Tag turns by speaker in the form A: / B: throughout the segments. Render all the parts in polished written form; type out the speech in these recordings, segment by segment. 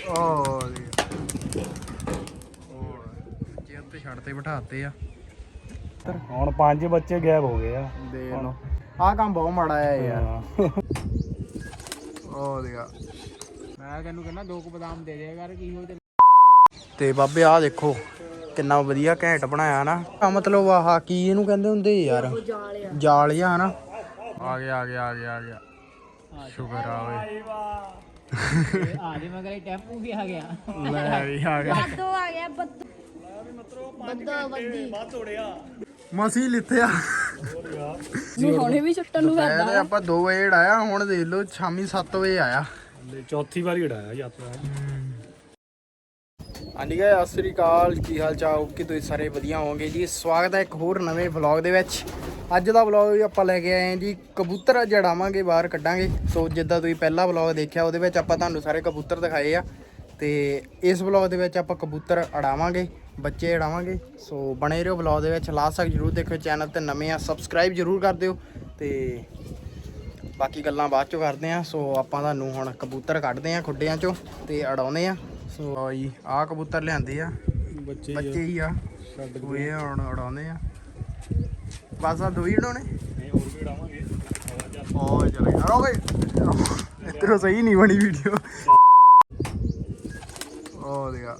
A: ਬੱਚੇ ਉੱਤੇ ਛੱਡ ਤੇ ਬਿਠਾਤੇ ਆ।
B: ਹੁਣ 5 ਬੱਚੇ ਗਾਇਬ ਹੋ ਗਏ ਆ।
A: ਦੇਖ ਲਓ ਆਹ ਕੰਮ ਬਹੁਤ ਮਾੜਾ ਆ ਯਾਰ। ਉਹ ਦੇਖਾ ਮੈਂ ਤੈਨੂੰ ਕਹਿੰਦਾ 2 ਬਦਾਮ ਦੇ ਦਿਆ ਕਰ ਕੀ ਹੋ ਤੇ ਬਾਬੇ ਆਹ ਦੇਖੋ ਕਿੰਨਾ ਵਧੀਆ ਘੈਂਟ ਬਣਾਇਆ ਨਾ। ਮਤਲਬ ਆਹ ਕੀ ਇਹਨੂੰ ਕਹਿੰਦੇ ਹੁੰਦੇ ਯਾਰ, ਜਾਲ ਜਿਹਾ ਨਾ। ਆ ਗਿਆ ਸ਼ੁਕਰ ਆ ਓਏ।
C: ਆ ਜੇ ਮਗਰ ਟੈਂਪੂ ਵੀ ਆ ਗਿਆ।
A: ਲੈ ਵੀ ਆ ਗਿਆ
D: ਬੱਦੋ ਆ ਗਿਆ ਬੱਦੋ ਬੱਦੀ
A: ਮਸੀ ਲਿੱਥਿਆ।
D: ਹੁਣੇ ਵੀ ਛੁੱਟਣ ਨੂੰ
A: ਦੁਪਹਿਰ ਦੇ ਆਪਾਂ 2 ਵਜੇ ਆਇਆ, ਹੁਣ ਦੇਖ ਲਓ ਸ਼ਾਮੀ 7 ਵਜੇ ਆਇਆ।
B: ਚੌਥੀ ਵਾਰੀ ਉਡਾਇਆ ਯਾਤਰਾ।
A: ਹਾਂਜੀ ਗਾਇਸ ਸਤਿ ਸ੍ਰੀ ਅਕਾਲ, ਕੀ ਹਾਲ ਚਾਲ? ਕਿ ਤੁਸੀਂ ਸਾਰੇ ਵਧੀਆ ਹੋਵੋਗੇ ਜੀ। ਸਵਾਗਤ ਹੈ ਇੱਕ ਹੋਰ ਨਵੇਂ ਵਲੌਗ ਦੇ ਵਿੱਚ। ਅੱਜ ਦਾ ਵਲੌਗ ਆਪਾਂ ਲੈ ਕੇ ਆਏ ਹਾਂ ਜੀ ਕਬੂਤਰ ਜੜਾਵਾਂਗੇ, ਬਾਹਰ ਕੱਢਾਂਗੇ। ਸੋ ਜਿੱਦਾਂ ਤੁਸੀਂ ਪਹਿਲਾ ਵਲੌਗ ਦੇਖਿਆ ਉਹਦੇ ਵਿੱਚ ਆਪਾਂ ਤੁਹਾਨੂੰ ਸਾਰੇ ਕਬੂਤਰ ਦਿਖਾਏ ਆ, ਤੇ ਇਸ ਵਲੌਗ ਦੇ ਵਿੱਚ ਆਪਾਂ ਕਬੂਤਰ ਅੜਾਵਾਂਗੇ, ਬੱਚੇ ਅੜਾਵਾਂਗੇ। ਸੋ ਬਣੇ ਰਹੋ ਵਲੌਗ ਦੇ ਵਿੱਚ, ਲਾਸਟ ਤੱਕ ਜ਼ਰੂਰ ਦੇਖਿਓ। ਚੈਨਲ ਤੇ ਨਵੇਂ ਆ ਸਬਸਕ੍ਰਾਈਬ ਜ਼ਰੂਰ ਕਰ ਦਿਓ, ਤੇ ਬਾਕੀ ਗੱਲਾਂ ਬਾਅਦ ਚੋਂ ਕਰਦੇ ਆ। ਸੋ ਆਪਾਂ ਤੁਹਾਨੂੰ ਹੁਣ ਕਬੂਤਰ ਕੱਢਦੇ ਆ ਖੁੱਡਿਆਂ ਚੋਂ ਤੇ ਅੜਾਉਂਦੇ ਆ। ਸੋ ਜੀ ਆਹ ਕਬੂਤਰ ਲਿਆਂਦੇ ਆ, ਬੱਚੇ ਹੀ ਆ, ਉਹ ਇਹ ਹੁਣ ਉਡਾਉਂਦੇ ਆ। ਬਸ ਆ 2 ਹੀ ਉਡਾਉਣੇ,
B: ਹੋਰ ਵੀ ਉਡਾਵਾਂਗੇ।
A: ਉਹ ਚਲੇ ਓਏ ਇੱਧਰੋਂ ਸਹੀ ਨਹੀਂ ਬਣੀ ਵੀਡੀਓ। ਉਹ ਦੇਖਾ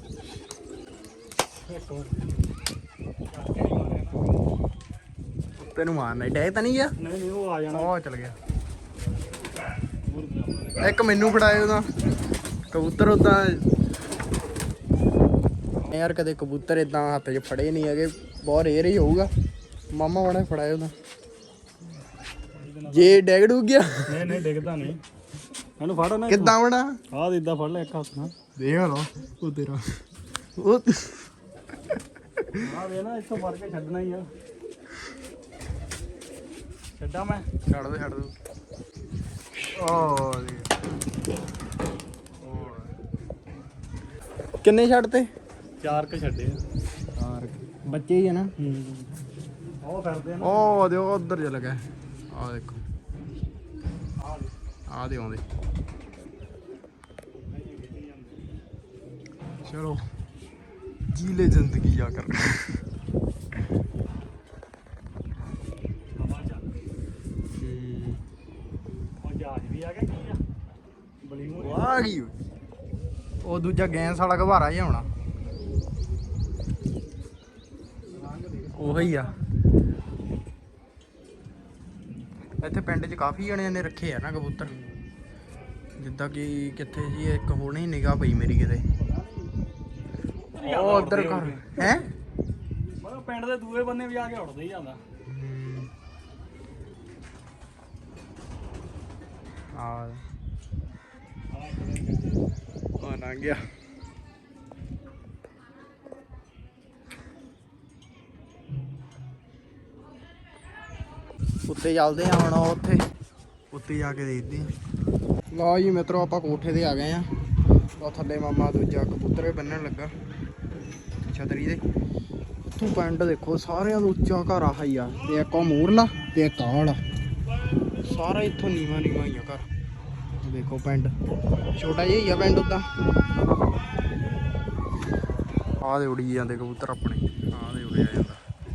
A: ਉੱਤੇ ਨੂੰ ਮਾਰਨਾ ਡੈ ਤਾਂ ਨਹੀਂ ਗਿਆ।
B: ਨਹੀਂ ਉਹ ਆ ਜਾਣਾ।
A: ਉਹ ਚਲ ਗਿਆ। ਇੱਕ ਮੈਨੂੰ ਫੜਾਏ ਉਹਦਾ ਕਬੂਤਰ। ਉਦਾਂ ਯਾਰ ਕਦੇ ਕਬੂਤਰ ਇਦਾਂ ਹੱਥ 'ਚ ਫੜੇ ਨਹੀਂ ਹੈਗੇ, ਬਹੁਤ ਰੇਅਰ ਹੀ ਹੋਊਗਾ। ਮਾਮਾ ਬਣਾ ਫੜਾਏ ਉਹਦਾ, ਜੇ ਡੈਗ ਡੁੱਗ ਗਿਆ।
B: ਨਹੀਂ ਡਿੱਗਦਾ ਨਹੀਂ। ਇਹਨੂੰ ਫੜ ਨਾ
A: ਕਿੱਦਾਂ ਬਣਾ
B: ਆਹ ਇਦਾਂ ਫੜ ਲੈ ਇੱਕ ਹੱਥ ਨਾਲ।
A: ਦੇਖ ਲਓ ਉਹ ਤੇਰਾ ਉਹ
B: ਆਹ ਵੇ ਨਾ ਇੱਥੋਂ ਫੜ ਕੇ ਛੱਡਣਾ ਹੀ ਆ। ਛੱਡਾਂ ਮੈਂ?
A: ਛੱਡ ਦੋ ਉਹ ਕਿੰਨੇ ਛੱਡਤੇ?
B: 4 ਕ ਛੱਡੇ ਆ।
A: ਬੱਚੇ ਹੀ ਆ ਨਾ।
B: ਉਹ ਫਿਰਦੇ ਨਾ।
A: ਉਹ ਦਿਓ ਉਧਰ ਚਲ ਗਿਆ। ਆਹ ਦੇਖੋ ਆਹ ਦੇ ਆਉਂਦੇ। ਚਲੋ ਜੀ ਲੈ ਜ਼ਿੰਦਗੀ ਜਾ ਕਰ।
B: ਉਹ ਜਹਾਜ਼ ਵੀ ਆ ਗਿਆ ਕੀ ਆ? ਬਲਿੰਗ
A: ਆ ਗਈ ਉਹ ਦੂਜਾ ਗੈਂਸ ਵਾਲਾ ਘਬਾਰਾ ਜਿਹਾ ਹੋਣਾ, ਉਹੀ ਆ। ਇੱਥੇ ਪਿੰਡ 'ਚ ਕਾਫੀ ਜਣਿਆਂ ਨੇ ਰੱਖੇ ਆ ਨਾ ਕਬੂਤਰ। ਜਿੱਦਾਂ ਕਿ ਕਿੱਥੇ ਜੀ ਇੱਕ ਹੋਣੀ ਨਿਗਾਹ ਪਈ ਮੇਰੀ ਕਿਤੇ, ਉਹ ਉਧਰ ਘਰ ਹੈ।
B: ਮਤਲਬ ਪਿੰਡ ਦੇ ਦੂਏ ਬੰਨੇ ਵੀ ਆ ਕੇ ਉੱਡਦੇ ਹੀ ਜਾਂਦਾ।
A: ਆ ਨਾ ਗਿਆ। ਉੱਤੇ ਚੱਲਦੇ ਆ ਹੁਣ, ਉੱਤੇ ਜਾ ਕੇ ਦੇਖਦੇ ਆ। ਲਓ ਜੀ ਮਿੱਤਰੋ ਆਪਾਂ ਕੋਠੇ ਤੇ ਆ ਗਏ ਆ। ਉਹ ਥੱਲੇ ਮਾਮਾ ਦੂਜਾ ਕਬੂਤਰ ਬੰਨਣ ਲੱਗਾ ਛਤਰੀ ਦੇ। ਉੱਥੋਂ ਪਿੰਡ ਦੇਖੋ ਸਾਰਿਆਂ ਤੋਂ ਉੱਚਾ ਘਰ ਆਹ ਹੀ ਆ, ਤੇ ਇੱਕ ਉਹ ਮੂਰਲਾ ਤੇ ਇੱਕ ਆਹ ਵਾਲਾ। ਸਾਰਾ ਇੱਥੋਂ ਨੀਵਾਂ ਹੀ ਆ ਘਰ। ਦੇਖੋ ਪਿੰਡ ਛੋਟਾ ਜਿਹਾ ਹੀ ਆ ਪਿੰਡ ਉੱਦਾਂ। ਆਹ ਦੇ ਉੜੀ ਜਾਂਦੇ ਕਬੂਤਰ ਆਪਣੇ, ਆਹ ਦੇ ਉੜਿਆ ਜਾਂਦਾ।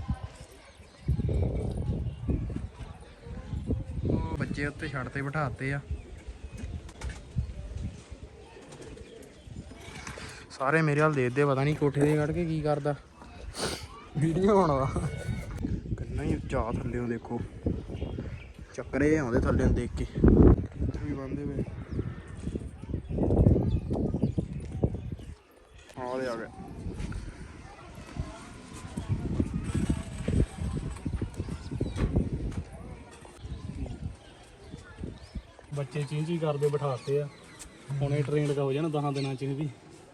A: ਬੱਚੇ ਉੱਤੇ ਛੱਡ ਤੇ ਬਿਠਾਤੇ ਆ ਸਾਰੇ। ਮੇਰੇ ਹਾਲ ਦੇਖਦੇ, ਪਤਾ ਨਹੀਂ ਕੋਠੇ ਦੇ ਕੱਢ ਕੇ ਕੀ ਕਰਦਾ, ਵੀਡੀਓ ਬਣਾਉਂਦਾ। ਕਿੰਨਾ ਹੀ ਉੱਚਾ ਥੱਲਿਓਂ ਦੇਖੋ, ਚੱਕਰੇ ਆਉਂਦੇ ਥੱਲਿਓਂ ਦੇਖ ਕੇ। ਵੀ ਬੰਦੇ ਵੇ ਆ ਗਏ।
B: ਬੱਚੇ ਚੀਂ ਕਰਦੇ ਬਿਠਾਤੇ ਆ। ਹੁਣੇ ਟ੍ਰੇਨਡ ਹੋ ਜਾਣਾ 10 ਦਿਨਾਂ ਚ ਵੀ।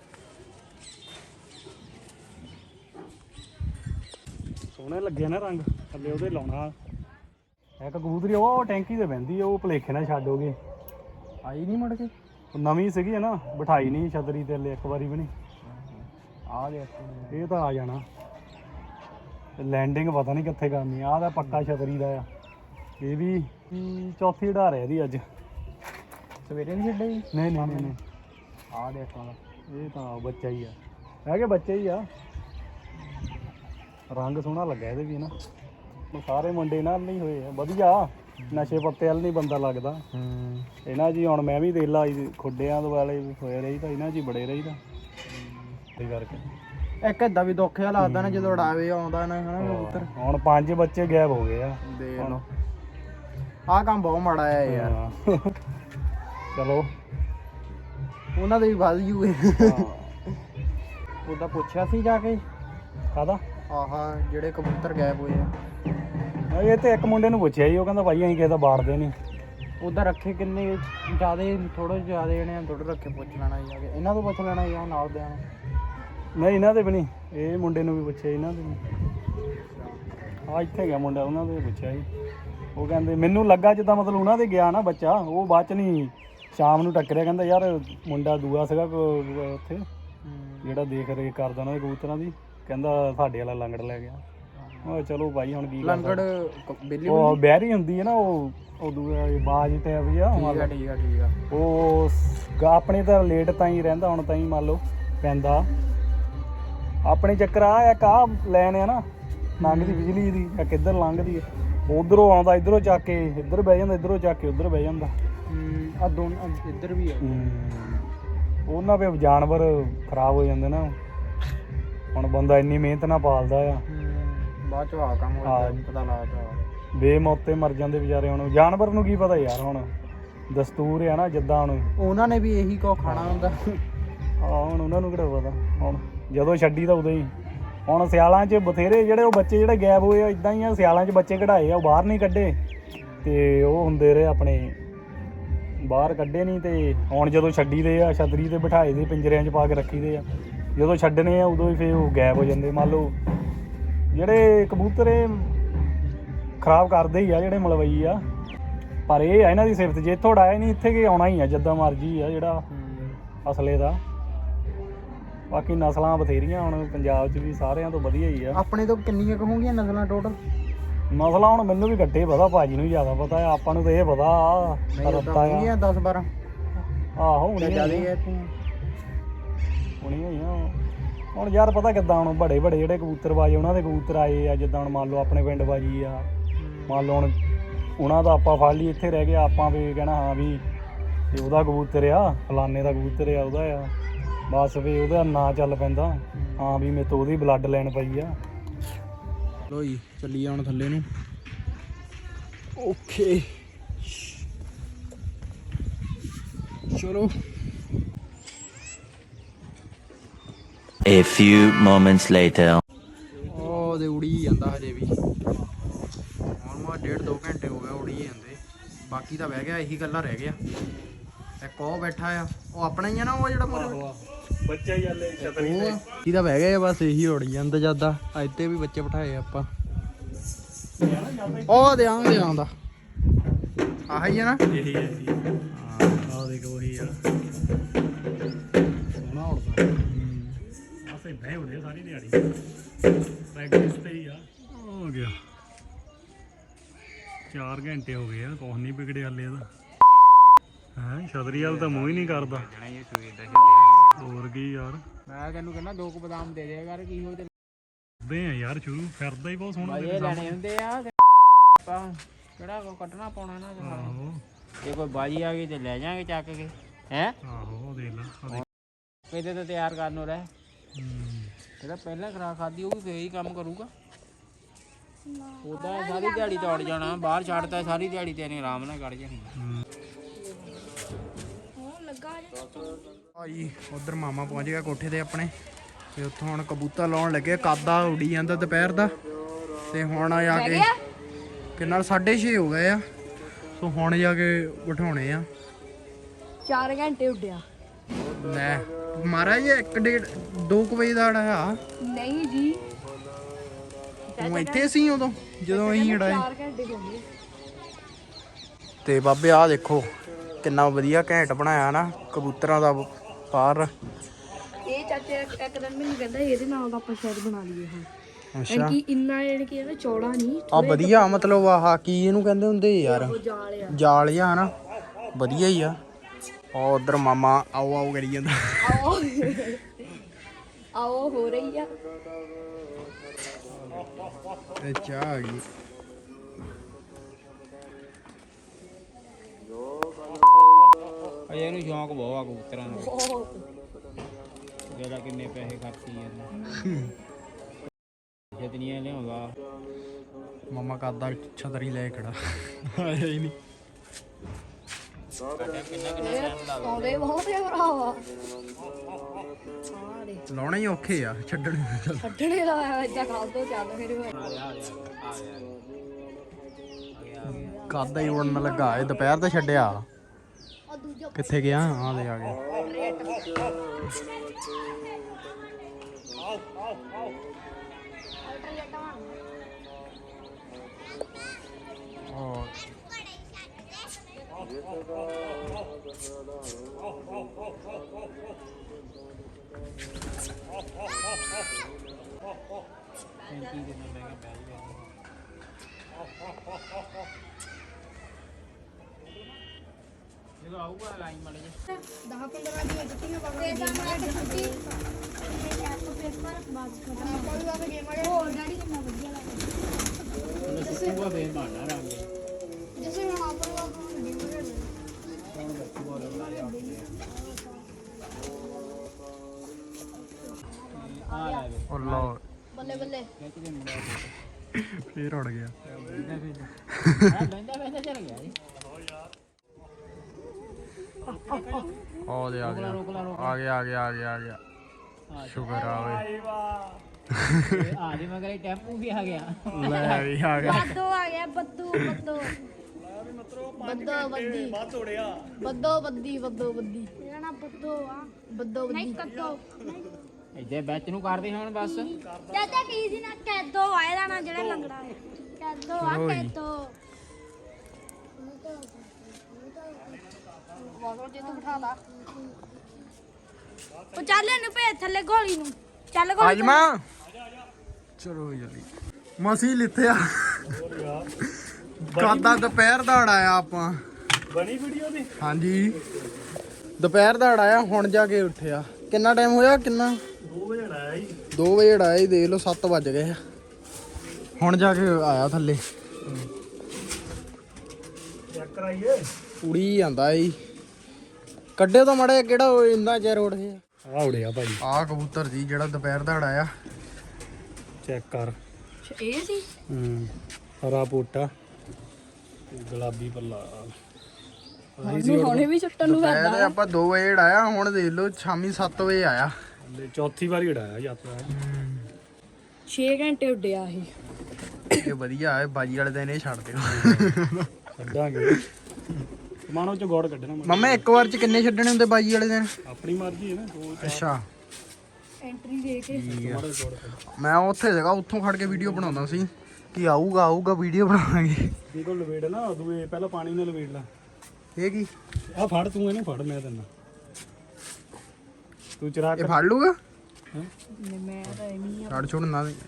B: ਸੋਹਣੇ ਲੱਗੇ ਨਾ ਰੰਗ, ਥੱਲੇ ਉਹਦੇ ਲਾਉਣਾ। ਇੱਕ ਕਬੂਤਰੀ ਉਹ ਟੈਂਕੀ ਤੇ ਬਹਿੰਦੀ ਆ, ਉਹ ਭਲੇਖੇ ਨਾਲ ਛੱਡੋਗੇ।
A: ਆਈ ਨਹੀਂ ਮੁੜ ਕੇ।
B: ਉਹ ਨਵੀਂ ਸੀਗੀ ਨਾ, ਬਿਠਾਈ ਨਹੀਂ ਛਤਰੀ ਤੇ ਇੱਕ ਵਾਰੀ ਵੀ ਨਹੀਂ।
A: ਆ ਗਿਆ
B: ਇਹ ਤਾਂ ਆ ਜਾਣਾ। ਲੈਂਡਿੰਗ ਪਤਾ ਨਹੀਂ ਕਿੱਥੇ ਕਰਨੀ। ਆਹ ਦਾ ਪੱਕਾ ਛਤਰੀ ਦਾ ਆ। ਇਹ ਵੀ ਚੌਥੀ ਉਡਾ ਰਿਹਾ ਇਹਦੀ ਅੱਜ।
A: ਸਵੇਰੇ ਨਹੀਂ ਛੱਡੇ?
B: ਨਹੀਂ
A: ਆ ਦੇਖੋ
B: ਇਹ ਤਾਂ ਬੱਚਾ ਹੀ ਆ, ਹੈਗੇ ਬੱਚੇ ਹੀ ਆ। ਰੰਗ ਸੋਹਣਾ ਲੱਗਾ ਇਹਦੇ ਵੀ ਨਾ, ਸਾਰੇ ਮੁੰਡੇ ਨਾਲ ਨਹੀਂ ਹੋਏ ਆ ਵਧੀਆ, ਨਸ਼ੇ ਪੱਤੇ ਵੱਲ ਨਹੀਂ ਬੰਦਾ ਲੱਗਦਾ। ਇਹਨਾਂ ਜੀ ਹੁਣ ਮੈਂ ਵੀ ਦੇਖ ਲਾ ਖੁੱਡਿਆਂ ਵਾਲੇ ਹੋਏ ਰਹੀ ਤਾਂ ਇਹਨਾਂ 'ਚ ਹੀ ਬੜੇ ਰਹੀ ਤਾਂ ਇਹ ਕਰਕੇ
A: ਇੱਕ ਏਦਾਂ ਵੀ ਦੁੱਖ ਜਿਹਾ ਲੱਗਦਾ ਨਾ ਜਦੋਂ ਉਡਾਵੇ ਆਉਂਦਾ ਨਾ ਹਨਾ ਕਬੂਤਰ।
B: ਹੁਣ 5 ਬੱਚੇ ਗਾਇਬ ਹੋ ਗਏ ਆ।
A: ਦੇਖ ਲਓ ਆਹ ਕੰਮ ਬਹੁਤ ਮਾੜਾ ਆ ਯਾਰ।
B: ਚਲੋ
A: ਉਹਨਾਂ ਦੇ ਵੀ ਵੱਧ ਜੂਏ। ਉਹਦਾ ਪੁੱਛਿਆ ਸੀ ਜਾ ਕੇ
B: ਕਾਹਦਾ
A: ਆਹਾ ਜਿਹੜੇ ਕਬੂਤਰ ਗਾਇਬ ਹੋਏ ਆ।
B: ਇਹ ਤੇ ਇੱਕ ਮੁੰਡੇ ਨੂੰ ਪੁੱਛਿਆ ਜੀ, ਉਹ ਕਹਿੰਦਾ ਭਾਈ ਅਸੀਂ ਕਿਸੇ ਦਾ ਬਾੜਦੇ ਨਹੀਂ।
A: ਉਧਰ ਰੱਖੇ ਕਿੰਨੇ ਜ਼ਿਆਦੇ ਥੋੜੇ ਜ਼ਿਆਦੇ ਜਣੇ ਥੋੜੇ ਰੱਖੇ, ਪੁੱਛ ਲੈਣਾ ਜਾ ਕੇ ਇਹਨਾਂ ਤੋਂ ਪੁੱਛ ਲੈਣਾ ਜਾਂ ਨਾਲ ਦਿਆਂ
B: ਨਹੀਂ ਇਹਨਾਂ ਦੇ ਵੀ ਨਹੀਂ, ਇਹ ਮੁੰਡੇ ਨੂੰ ਵੀ ਪੁੱਛਿਆ ਇਹਨਾਂ ਦੇ ਆ ਇੱਥੇ ਗਿਆ ਮੁੰਡਾ, ਉਹਨਾਂ ਦੇ ਪੁੱਛਿਆ ਜੀ। ਉਹ ਕਹਿੰਦੇ ਮੈਨੂੰ ਲੱਗਾ ਜਿੱਦਾਂ ਮਤਲਬ ਉਹਨਾਂ ਦੇ ਗਿਆ ਨਾ ਬੱਚਾ, ਉਹ ਬਾਅਦ ਚ ਨਹੀਂ ਸ਼ਾਮ ਨੂੰ ਟੱਕਰਿਆ, ਕਹਿੰਦਾ ਯਾਰ ਮੁੰਡਾ ਦੂਆ ਸੀਗਾ ਉੱਥੇ ਜਿਹੜਾ ਦੇਖ ਰੇਖ ਕਰਦਾ ਉਹਨਾਂ ਦੇ ਕਬੂਤਰਾਂ ਦੀ, ਕਹਿੰਦਾ ਸਾਡੇ ਵਾਲਾ ਲੰਗੜ ਲੈ ਗਿਆ। ਉਹ ਚਲੋ ਭਾਈ ਹੁਣ ਕੀ
A: ਲੰਗੜ ਬੇਲੀ
B: ਉਹ ਬਹਿਰੀ ਹੁੰਦੀ ਹੈ ਨਾ, ਉਹ ਦੂਆ ਬਾਜ ਤੇ ਵੀ ਆ।
A: ਠੀਕ ਆ
B: ਉਹ ਆਪਣੇ ਤਾਂ ਲੇਟ ਤਾਂ ਹੀ ਰਹਿੰਦਾ, ਹੁਣ ਤਾਂ ਹੀ ਮੰਨ ਲਓ ਪੈਂਦਾ ਆਪਣੇ ਚੱਕਰ ਆ ਇੱਕ ਆ ਲੈਣ ਆ ਨਾ ਲੰਘਦੀ ਬਿਜਲੀ ਦੀ ਜਾਂ ਕਿੱਧਰ ਲੰਘਦੀ ਹੈ, ਉਧਰੋਂ ਆਉਂਦਾ ਇਧਰੋਂ ਚੱਕ ਕੇ ਇੱਧਰ ਬਹਿ ਜਾਂਦਾ, ਇੱਧਰੋਂ ਚੱਕ ਕੇ ਉੱਧਰ ਬਹਿ ਜਾਂਦਾ।
A: ਆ ਦੋਨੋਂ ਇੱਧਰ ਵੀ ਆ
B: ਉਹਨਾਂ ਦੇ ਜਾਨਵਰ ਖਰਾਬ ਹੋ ਜਾਂਦੇ ਨਾ, ਹੁਣ ਬੰਦਾ ਇੰਨੀ ਮਿਹਨਤ ਨਾਲ ਪਾਲਦਾ ਆ,
A: ਬਾਅਦ ਚ ਆ ਕੰਮ ਹੋ ਜਾਂਦਾ ਪਤਾ ਲੱਗਦਾ,
B: ਬੇਮੌਤੇ ਮਰ ਜਾਂਦੇ ਵਿਚਾਰੇ। ਹੁਣ ਜਾਨਵਰ ਨੂੰ ਕੀ ਪਤਾ ਯਾਰ, ਹੁਣ ਦਸਤੂਰ ਆ ਨਾ ਜਿੱਦਾਂ ਹੁਣ
A: ਉਹਨਾਂ ਨੇ ਵੀ ਇਹੀ ਕੋ ਖਾਣਾ ਹੁੰਦਾ।
B: ਹੁਣ ਉਹਨਾਂ ਨੂੰ ਕਿਹੜਾ ਪਤਾ, ਹੁਣ ਜਦੋਂ ਛੱਡੀ ਤਾਂ ਉਦੋਂ ਹੀ। ਹੁਣ ਸਿਆਲਾਂ 'ਚ ਬਥੇਰੇ ਜਿਹੜੇ ਉਹ ਬੱਚੇ ਜਿਹੜੇ ਗਾਇਬ ਹੋਏ ਆ ਇੱਦਾਂ ਹੀ ਆ, ਸਿਆਲਾਂ 'ਚ ਬੱਚੇ ਕਢਾਏ ਆ, ਉਹ ਬਾਹਰ ਨਹੀਂ ਕੱਢੇ ਤੇ ਉਹ ਹੁੰਦੇ ਰਹੇ ਆਪਣੇ ਬਾਹਰ ਕੱਢੇ ਨਹੀਂ। ਤੇ ਹੁਣ ਜਦੋਂ ਛੱਡੀ ਦੇ ਆ ਛਤਰੀ ਤੇ ਬਿਠਾਏ ਦੇ, ਪਿੰਜਰਿਆਂ 'ਚ ਪਾ ਕੇ ਰੱਖੀ ਦੇ ਆ, ਜਦੋਂ ਛੱਡਣੇ ਆ ਉਦੋਂ ਹੀ ਫਿਰ ਉਹ ਗਾਇਬ ਹੋ ਜਾਂਦੇ। ਮੰਨ ਲਓ ਜਿਹੜੇ ਕਬੂਤਰ ਖਰਾਬ ਕਰਦੇ ਹੀ ਆ ਜਿਹੜੇ ਮਲਵਈ ਆ, ਪਰ ਇਹ ਆ ਇਹਨਾਂ ਦੀ ਸਿਫਤ, ਜੇ ਇੱਥੋਂ ਉਡਾਇਆ ਨਹੀਂ ਇੱਥੇ ਕਿ ਆਉਣਾ ਹੀ ਆ ਜਿੱਦਾਂ ਮਰਜੀ ਆ ਜਿਹੜਾ ਅਸਲੇ ਦਾ। ਬਾਕੀ ਨਸਲਾਂ ਬਥੇਰੀਆਂ ਹੁਣ ਪੰਜਾਬ 'ਚ ਵੀ ਸਾਰਿਆਂ ਤੋਂ ਵਧੀਆ ਹੀ ਆ।
A: ਆਪਣੇ ਤੋਂ ਕਿੰਨੀਆਂ ਕੁ ਹੋਣਗੀਆਂ ਨਸਲਾਂ ਟੋਟਲ?
B: ਨਸਲਾਂ ਹੁਣ ਮੈਨੂੰ ਵੀ ਘੱਟੇ ਪਤਾ, ਭਾਜੀ ਨੂੰ ਜ਼ਿਆਦਾ ਪਤਾ ਆ, ਆਪਾਂ ਨੂੰ ਤਾਂ ਇਹ ਪਤਾ ਰੱਤਾ ਆ
A: 10-12
B: ਆਹੋ ਹੁਣੀਆਂ ਹੋਈਆਂ। ਹੁਣ ਯਾਰ ਪਤਾ ਕਿੱਦਾਂ, ਹੁਣ ਬੜੇ ਜਿਹੜੇ ਕਬੂਤਰ ਬਾਜੀ ਉਹਨਾਂ ਦੇ ਕਬੂਤਰ ਆਏ ਆ, ਜਿੱਦਾਂ ਹੁਣ ਮੰਨ ਲਓ ਆਪਣੇ ਪਿੰਡ ਬਾਜੀ ਆ, ਮੰਨ ਲਓ ਹੁਣ ਉਹਨਾਂ ਦਾ ਆਪਾਂ ਫੜ ਲਈ ਇੱਥੇ ਰਹਿ ਗਿਆ, ਆਪਾਂ ਵੀ ਕਹਿਣਾ ਹਾਂ ਵੀ ਇਹ ਉਹਦਾ ਕਬੂਤਰ ਆ, ਫਲਾਨੇ ਦਾ ਕਬੂਤਰ ਆ, ਉਹਦਾ ਆ, ਬਸ ਵੀ ਉਹਦਾ ਨਾਂ ਚੱਲ ਪੈਂਦਾ, ਹਾਂ ਵੀ ਮੇਰੇ ਤੋਂ ਉਹਦੀ ਬਲੱਡ ਲੈਣ ਪਈ ਆ।
A: ਲੋ ਜੀ ਚੱਲੀਏ ਹੁਣ ਥੱਲੇ ਨੂੰ। ਓਕੇ ਚਲੋ।
E: A few moments later.
A: ਉਹ ਦੇ ਉੜੀ ਜਾਂਦਾ ਹਜੇ ਵੀ, ਹੁਣ 1.5-2 ਘੰਟੇ ਹੋ ਗਏ ਉੜੀ ਜਾਂਦੇ। ਬਾਕੀ ਤਾਂ ਬਹਿ ਗਿਆ, ਇਹੀ ਗੱਲਾਂ ਰਹਿ ਗਿਆ। ਇੱਕ ਉਹ ਬੈਠਾ ਆ, ਉਹ ਆਪਣਾ ਹੀ ਆ ਨਾ, ਉਹ ਜਿਹੜਾ
B: ਬੱਚਾ ਹੀ ਹਲੇ ਛਤਰੀ ਤੇ
A: ਕੀ ਤਾਂ ਬਹਿ ਗਏ ਬਸ, ਇਹੀ ਉੜੀ ਜਾਂਦਾ ਜਿਆਦਾ। ਇੱਥੇ ਵੀ ਬੱਚੇ ਬਿਠਾਏ ਆਪਾਂ, ਉਹ ਦੇ ਆਉਂਦਾ ਆਹੀ ਆ ਨਾ,
B: ਇਹੀ ਹੈ ਜੀ। ਆਹ ਦੇਖੋ ਉਹੀ ਆ, ਸੋਹਣਾ ਉੜਦਾ। ਆਸੇ ਬਹਿ ਉੜੇ ਸਾਰੀ ਦਿਹਾੜੀ, ਪ੍ਰੈਕਟਿਸ ਤੇ ਹੀ ਆ। ਹੋ ਗਿਆ 4 ਘੰਟੇ ਹੋ ਗਏ ਆ, ਕੁਛ ਨਹੀਂ ਵਿਗੜਿਆ ਹਲੇ ਇਹਦਾ। ਹੈ ਛਤਰੀ ਵਾਲ ਤਾਂ ਮੂੰਹ ਹੀ ਨਹੀਂ ਕਰਦਾ। ਹੋਰ ਕੀ ਯਾਰ,
C: ਮੈਂ ਤੈਨੂੰ ਕਹਿੰਦਾ 2 ਬਦਾਮ ਦੇ ਦਿਆ ਕਰ, ਕੀ ਹੋ ਤੇ
B: ਦੇ ਆ ਯਾਰ ਸ਼ੁਰੂ ਫਿਰਦਾ ਹੀ ਬਹੁਤ ਸੋਹਣਾ।
C: ਇਹ ਲੈਣੇ ਹੁੰਦੇ ਆ ਆਪਾਂ ਕਿਹੜਾ ਕੋ ਕੱਢਣਾ ਪਾਉਣਾ ਨਾ।
B: ਆਹੋ
C: ਜੇ ਕੋਈ ਬਾਜੀ ਆ ਗਈ ਤੇ ਲੈ ਜਾਾਂਗੇ ਚੱਕ ਕੇ, ਹੈ
B: ਆਹੋ ਦੇਖ ਲਾ
C: ਕਿਤੇ ਤਾਂ ਤਿਆਰ ਕਰਨ ਨੂੰ ਰਹਿ। ਜਿਹੜਾ ਪਹਿਲਾਂ ਖਰਾਕ ਖਾਦੀ ਉਹ ਵੀ ਫੇਰ ਹੀ ਕੰਮ ਕਰੂਗਾ। ਉਹਦਾ ਸਾਰੀ ਦਿਹਾੜੀ ਦੌੜ ਜਾਣਾ, ਬਾਹਰ ਛੱਡਦਾ ਸਾਰੀ ਦਿਹਾੜੀ ਤੇਰੇ ਆਰਾਮ ਨਾਲ ਕੱਢ ਜਾਣੀ।
A: ਭਾਈ ਉਧਰ ਮਾਮਾ ਪਹੁੰਚ ਗਿਆ ਕੋਠੇ ਤੇ ਆਪਣੇ, ਤੇ ਉੱਥੋਂ ਹੁਣ ਕਬੂਤਰ ਲਾਉਣ ਲੱਗੇ। ਕਾਦਾ ਉਡੀ ਜਾਂਦਾ ਦੁਪਹਿਰ ਦਾ, ਤੇ ਹੁਣ ਆ ਕੇ ਕਿੰਨਾ 6:30 ਹੋ ਗਏ ਆ। ਸੋ ਹੁਣ ਜਾ ਕੇ ਬਿਠਾਉਣੇ ਆ।
D: 4 ਘੰਟੇ ਉੱਡਿਆ।
A: ਲੈ ਮਹਾਰਾਜ 1-1:30-2 ਵਜੇ ਦਾ ਆ।
D: ਨਹੀਂ ਜੀ,
A: ਤੂੰ ਇੱਥੇ ਸੀ ਉਦੋਂ ਜਦੋਂ ਅਸੀਂ ਉਡਾਏ?
D: 4 ਘੰਟੇ ਹੋ ਗਏ।
A: ਤੇ ਬਾਬੇ ਆਹ ਦੇਖੋ ਕਿੰਨਾ ਵਧੀਆ ਘੈਂਟ ਬਣਾਇਆ ਨਾ ਕਬੂਤਰਾਂ ਦਾ ਬਾਹਰ।
D: ਇਹ ਚਾਚੇ ਇੱਕ ਦਿਨ ਮੈਨੂੰ ਕਹਿੰਦਾ ਇਹਦੇ ਨਾਲ ਦਾ ਆਪਾਂ ਸ਼ਾਇਦ ਬਣਾ ਲਈਏ। ਹਾਂ
A: ਅੱਛਾ
D: ਕਿ ਇੰਨਾ ਯਾਨੀ ਕਿ ਇਹਦਾ ਚੌੜਾ ਨਹੀਂ,
A: ਆ ਵਧੀਆ, ਮਤਲਬ ਆਹ ਕੀ ਇਹਨੂੰ ਕਹਿੰਦੇ ਹੁੰਦੇ ਯਾਰ,
D: ਉਹ ਜਾਲ ਆ।
A: ਜਾਲ ਜਿਹਾ ਹਨਾ, ਵਧੀਆ ਹੀ ਆ। ਉਹ ਉਧਰ ਮਾਮਾ ਆਓ ਆਓ ਕਰੀ ਜਾਂਦਾ।
D: ਆਓ ਆਓ ਹੋ ਰਹੀ ਆ।
A: ਇਹ ਚਾਹ ਆ ਗਈ।
C: ਅਜੇ ਇਹਨੂੰ ਸ਼ੌਂਕ ਬਹੁਤ ਆ ਕਬੂਤਰਾਂ ਦਾ। ਜਿਹੜਾ ਕਿੰਨੇ ਪੈਸੇ ਖਰਚੀ ਜਾਂਦਾ ਜਿਤਨੀਆਂ ਲਿਆਉਂਦਾ।
A: ਮਾਮਾ ਕਰਦਾ ਛਤਰੀ ਲੈ ਖੜਾ ਆਇਆ ਹੀ ਨਹੀਂ।
D: ਆਉਂਦੇ ਬਹੁਤ ਆ ਭਰਾਵਾ।
A: ਲਾਉਣਾ ਹੀ ਔਖੇ ਆ ਛੱਡਣੇ।
D: ਛੱਡਣੇ ਦਾ ਏਦਾਂ ਖਾਲ ਤੋਂ ਚੱਲ ਫਿਰ
A: ਕਾਦਾ ਹੀ ਉੜਨ ਲੱਗਾ। ਇਹ ਦੁਪਹਿਰ ਦਾ ਛੱਡਿਆ। ਕਿੱਥੇ ਗਿਆ? ਆ ਦੇ ਆ ਗਿਆ।
C: ਜਦੋਂ ਆਊਗਾ ਲਾਈਨ ਮਾੜੇ ਜੇ
D: 10-15 ਦੀਆਂ ਜੁੱਤੀਆਂ ਪਾ ਕੇ ਛੁੱਟੀ ਪੇਪਰ ਬਾਅਦ ਖਤਮ ਕੋਈ ਵਾਰ ਗੇਮ ਵਾਲੇ ਹੋਰ ਡੈਡੀ ਕਿੰਨਾ ਵਧੀਆ ਲੱਗਦਾ।
C: ਸੁੱਕੂਗਾ ਫੇਰ ਬਹਾਨਾ ਰੰਗ
D: ਜਿਵੇਂ ਹੁਣ ਆਪਾਂ ਨੂੰ ਗੇਮ ਵਾਲੇ
C: ਆ ਲੈ ਵੇ
A: ਉਹ ਲਓ
D: ਬੱਲੇ ਬੱਲੇ
C: ਖਿੱਚ ਕੇ ਮੁੰਡਾ
A: ਫੇਰ ਉੜ ਗਿਆ।
C: ਬੈਂਦਾ ਚੱਲ ਗਿਆ ਜੀ।
A: ਆ ਦੇ ਆ ਗਿਆ ਆ ਗਿਆ ਆ ਗਿਆ ਆ ਗਿਆ ਆ ਗਿਆ। ਸ਼ੁਕਰ ਆ ਓਏ।
C: ਆ ਜੀ ਮਗਰ ਟੈਂਪੂ ਵੀ ਆ ਗਿਆ।
A: ਲੈ ਵੀ ਆ ਗਿਆ।
D: ਬੱਦੋ ਆ ਗਿਆ ਬੱਦੂ ਬੱਦੋ ਬੱਦੋ ਬੱਦੀ ਬਾਤ ਤੋੜਿਆ ਬੱਦੋ ਬੱਦੀ ਮੇਰਾ ਨਾਮ ਬੱਦੋ ਆ ਬੱਦੋ ਬੱਦੀ ਨਹੀਂ ਕੱਦੋ
C: ਇੱਥੇ ਵਿੱਚ ਨੂੰ ਕਰਦੇ ਹੁਣ ਬਸ।
D: ਚਾਚਾ ਕੀ ਸੀ ਨਾ ਕੈਦੋ ਆਇਆ ਨਾ ਜਿਹੜਾ ਲੰਗੜਾ ਹੈ ਕੈਦੋ ਆ ਕੈਦੋ ਵਾਹ ਜੇ ਤੂੰ ਬਿਠਾ ਲਾ ਉਹ ਚੱਲ ਇਹਨੂੰ ਭੇਜ ਥੱਲੇ ਗੋਲੀ ਨੂੰ ਚੱਲ ਗੋਲੀ
A: ਅੱਜ ਮਾਂ ਚਲੋ ਜਲਦੀ ਮਸੀਂ ਲਿੱਥਿਆ। ਕਾਦਾ ਦੁਪਹਿਰ ਦਾ ਉਡਾਇਆ ਆਪਾਂ।
B: ਬਣੀ ਵੀਡੀਓ ਦੀ।
A: ਹਾਂਜੀ ਦੁਪਹਿਰ ਦਾ ਉਡਾਇਆ। ਹੁਣ ਜਾ ਕੇ ਉੱਠਿਆ। ਕਿੰਨਾ ਟਾਈਮ ਹੋਇਆ? ਕਿੰਨਾ
B: 2 ਵਜੇ ਆਇਆ ਜੀ।
A: 2 ਵਜੇ ਉਡਾਇਆ ਹੀ। ਦੇਖ ਲਓ 7 ਵੱਜ ਗਏ ਆ। ਹੁਣ ਜਾ ਕੇ ਆਇਆ ਥੱਲੇ।
B: ਚੈੱਕ ਕਰਾਈਏ।
A: ਉੜੀ ਜਾਂਦਾ ਈ। ਕੱਢੇ ਤਾਂ ਮੜਾ ਕਿਹੜਾ ਇੰਨਾ ਚਿਰ ਉੱਡ ਗਿਆ।
B: ਆ ਉੜਿਆ ਭਾਜੀ।
A: ਆਹ ਕਬੂਤਰ ਜੀ ਜਿਹੜਾ ਦੁਪਹਿਰ ਦਾ ਉਡਾਇਆ।
B: ਚੈੱਕ ਕਰ।
D: ਇਹ ਸੀ
B: ਹਰਾ ਪੋਟਾ ਗੁਲਾਬੀ ਪੱਲਾ।
D: ਹੁਣੇ ਵੀ ਛੁੱਟਣ ਨੂੰ
A: ਦੁਪਹਿਰ ਆਪਾਂ 2 ਵਜੇ ਉਡਾਇਆ। ਹੁਣ ਦੇਖ ਲਓ ਸ਼ਾਮੀ 7 ਵਜੇ ਆਇਆ।
B: ਚੌਥੀ ਵਾਰੀ ਉਡਾਇਆ ਯਾਤਰਾ।
D: 6 ਘੰਟੇ ਉੱਡਿਆ ਇਹ।
A: ਇਹ ਵਧੀਆ ਹੈ। ਬਾਜੀ ਵਾਲੇ ਦਿਨ ਇਹ ਛੱਡ ਦਿਓ।
B: ਛੱਡਾਂਗੇ। ਮਾਨੋ ਚ ਗੋੜ ਕੱਢਣਾ।
A: ਮੰਮਾ ਇੱਕ ਵਾਰ ਚ ਕਿੰਨੇ ਛੱਡਣੇ ਹੁੰਦੇ ਬਾਜੀ ਵਾਲੇ ਦਿਨ?
B: ਆਪਣੀ ਮਰਜ਼ੀ ਹੈ ਨਾ। 2
A: ਅੱਛਾ
D: ਐਂਟਰੀ ਦੇ ਕੇ
A: ਮੈਂ ਉੱਥੇ ਸੀਗਾ। ਉੱਥੋਂ ਖੜ ਕੇ ਵੀਡੀਓ ਬਣਾਉਂਦਾ ਸੀ ਕਿ ਆਊਗਾ ਵੀਡੀਓ ਬਣਾਵਾਂਗੇ।
B: ਦੇਖੋ ਲਵੇੜ ਨਾ ਦੂਏ ਪਹਿਲਾਂ ਪਾਣੀ ਨਾਲ ਲਵੇੜ ਲਾ।
A: ਇਹ ਕੀ?
B: ਆ ਫੜ ਤੂੰ ਇਹਨੂੰ ਫੜ ਮੈਂ ਤੈਨੂੰ ਤੂੰ ਚਰਾ
A: ਇਹ ਫੜ ਲੂਗਾ?
D: ਮੈਂ ਤਾਂ ਐਵੇਂ
A: ਛੱਡ ਛੋੜ ਨਾ ਦੇ।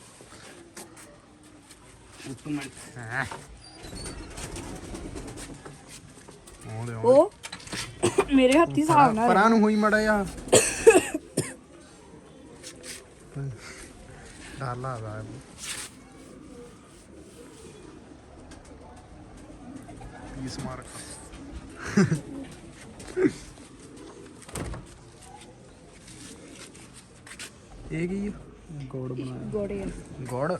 B: ਇੱਕ ਮਿੰਟ।
A: ਹੈਂ।
D: ਉਹ ਮੇਰੇ ਹੱਥੀ ਹਿਸਾਬ ਨਾਲ
A: ਪਰਾਂ ਨੂੰ ਹੋਈ ਮੜਾ ਜਾ। ਡਰ ਲੱਗਦਾ। ਪੀਸ ਮਾਰ। ਇਹ ਕੀ ਆ?
B: ਗੋੜ ਬਣਾਇਆ।
D: ਗੋੜੇ
A: ਗੁੜ।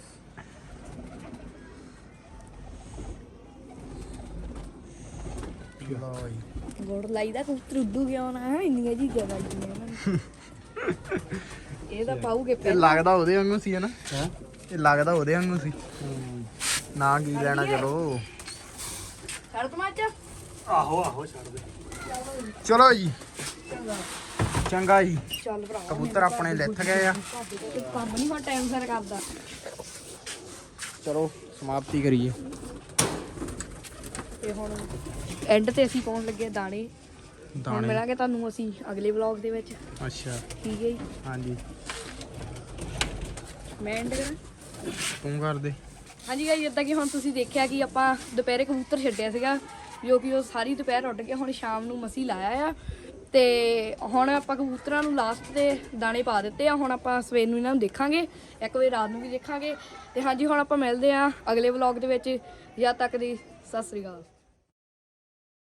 A: ਲਓ ਜੀ।
D: ਗੋੜ ਲਾਈਦਾ ਕਬੂਤਰ ਉੱਡੂ ਗਿਆ ਨਾ ਇੰਨੀਆਂ ਜੀ ਜਗ੍ਹਾ ਇਹਨਾਂ ਇਹ ਤਾਂ ਪਾਉਗੇ
A: ਇਹ ਲੱਗਦਾ ਉਹਦੇ ਵਾਂਗੂ ਸੀ ਹਨਾ। ਇਹ ਲੱਗਦਾ ਉਹਦੇ ਵਾਂਗੂ ਸੀ। ਨਾ ਕੀ ਲੈਣਾ ਚਲੋ।
D: ਛੱਡ ਤਮਾਚ
B: ਆਹੋ ਛੱਡ ਦੇ।
A: ਚਲੋ ਜੀ ਚੰਗਾ ਜੀ।
D: ਚੱਲ ਭਰਾ
A: ਕਬੂਤਰ ਆਪਣੇ ਲਿੱਥ ਗਏ ਆ।
D: ਕੰਮ ਨਹੀਂ ਹੁਣ ਟਾਈਮ ਸਿਰ ਕਰਦਾ।
A: ਚਲੋ ਸਮਾਪਤੀ ਕਰੀਏ।
D: ਤੇ ਹੁਣ ਐਂਡ ਤੇ ਅਸੀਂ ਪਾਉਣ ਲੱਗੇ ਦਾਣੇ। ਹੁਣ ਮਿਲਾਂਗੇ ਤੁਹਾਨੂੰ ਅਸੀਂ ਅਗਲੇ ਵਲੌਗ ਦੇ ਵਿੱਚ।
A: ਅੱਛਾ
D: ਠੀਕ ਹੈ ਜੀ।
A: ਹਾਂਜੀ
D: ਮੈਂ ਐਂਡ ਕਰਾਂ।
A: ਤੂੰ ਕਰ ਦੇ।
D: ਹਾਂਜੀ ਗਾਇਸ ਜਿੱਦਾਂ ਕਿ ਹੁਣ ਤੁਸੀਂ ਦੇਖਿਆ ਕਿ ਆਪਾਂ ਦੁਪਹਿਰੇ ਕਬੂਤਰ ਛੱਡਿਆ ਸੀਗਾ
F: ਜੋ ਕਿ ਉਹ ਸਾਰੀ ਦੁਪਹਿਰ ਉੱਡ ਕੇ ਹੁਣ ਸ਼ਾਮ ਨੂੰ ਮਸੀਂ ਲਾਇਆ ਆ। ਤੇ ਹੁਣ ਆਪਾਂ ਕਬੂਤਰਾਂ ਨੂੰ ਲਾਸਟ ਤੇ ਦਾਣੇ ਪਾ ਦਿੱਤੇ ਆ। ਹੁਣ ਆਪਾਂ ਸਵੇਰ ਨੂੰ ਇਹਨਾਂ ਨੂੰ ਦੇਖਾਂਗੇ, ਇੱਕ ਵਜੇ ਰਾਤ ਨੂੰ ਵੀ ਦੇਖਾਂਗੇ। ਤੇ ਹਾਂਜੀ ਹੁਣ ਆਪਾਂ ਮਿਲਦੇ ਆ ਅਗਲੇ ਵਲੌਗ ਦੇ ਵਿੱਚ। ਜਦ ਤੱਕ ਦੀ ਸਤਿ ਸ੍ਰੀ ਅਕਾਲ।